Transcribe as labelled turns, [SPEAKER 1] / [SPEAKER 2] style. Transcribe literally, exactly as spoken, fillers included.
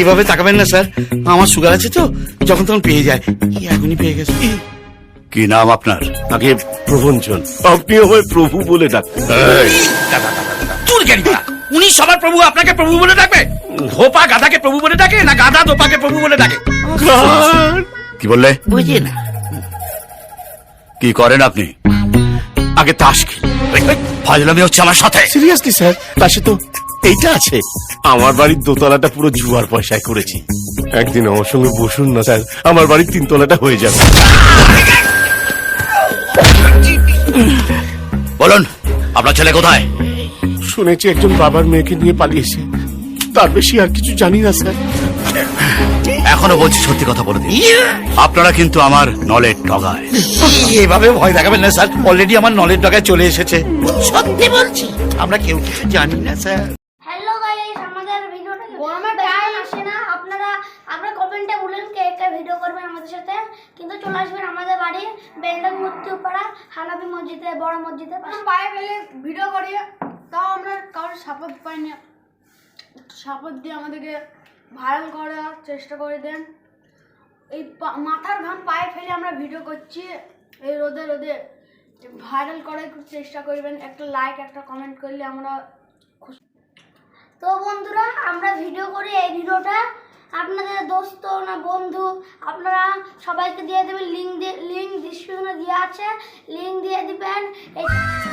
[SPEAKER 1] এইভাবে তাকাবেন না স্যার, আমার সুগার আছে তো, যখন তখন পেয়ে যায়। এখনই পেয়ে গেছে।
[SPEAKER 2] কি নাম আপনার?
[SPEAKER 3] আগে প্রভঞ্জন, আপনি আমায় প্রভু বলে ডাকতেন।
[SPEAKER 1] উনি সবার প্রভু, আপনাকে প্রভু বলে ডাকবে? ধোপা গাধাকে প্রভু বলে ডাকে, না গাধা ধোপাকে প্রভু বলে ডাকে?
[SPEAKER 2] কি বললে?
[SPEAKER 1] বুঝি না।
[SPEAKER 2] কি করেন আপনি?
[SPEAKER 3] আগে তাস খেলি।
[SPEAKER 2] ফাজলামি হচ্ছে আমার সাথে?
[SPEAKER 3] সিরিয়াসলি স্যার, পাশে তো এইটা আছে। আমার বাড়ির দোতলাটা পুরো জুয়ার পয়সায় করেছি। একদিন আমার সঙ্গে বসুন না স্যার, আমার বাড়ির তিনতলাটা হয়ে যাবে।
[SPEAKER 2] বলুন, আপনার ছেলে কোথায়?
[SPEAKER 3] শুনেছি একজন বাবার মেয়েকে নিয়ে পালিয়েছে, তার বেশি আর কিছু জানি না স্যার।
[SPEAKER 2] এখনো বলছি সত্যি কথা বলে দিন, আপনারা কিন্তু আমার নলেজ ডগায়।
[SPEAKER 1] এভাবে ভয় দেখাবেন না স্যার, অলরেডি আমার নলেজ ডগায় চলে এসেছে। সত্যি বলছি, আমরা কেউ কিছু জানি না স্যার।
[SPEAKER 4] হ্যালো গাইস, আমাদের ভিডিওটা গরমের টাইম আসে না, আপনারা আপনারা কমেন্টে বলেন কে কে ভিডিও করবেন আমাদের সাথে, কিন্তু চলে আসবেন আমাদের বাড়ি বেলডাং মধ্যপাড়া হানাফি মসজিদে, বড় মসজিদে
[SPEAKER 5] পায়ে ফেলে ভিডিও করি, তাও আমরা কারোর সাপোর্ট পাইনি। সাপোর্ট দিয়ে আমাদেরকে ভাইরাল করার চেষ্টা করে দেন। এই মাথার ঘাম পায়ে ফেলে আমরা ভিডিও করছি, এই রোদে রোদে ভাইরাল করার চেষ্টা করবেন। একটা লাইক একটা কমেন্ট করলে আমরা খুশি।
[SPEAKER 4] তো বন্ধুরা, আমরা ভিডিও করি, এই ভিডিওটা আপনাদের দোস্ত না বন্ধু আপনারা সবাইকে দিয়ে দেবেন, লিঙ্ক দিয়ে লিঙ্ক ডিসক্রিপশনে দেওয়া আছে, লিঙ্ক দিয়ে দিবেন। এই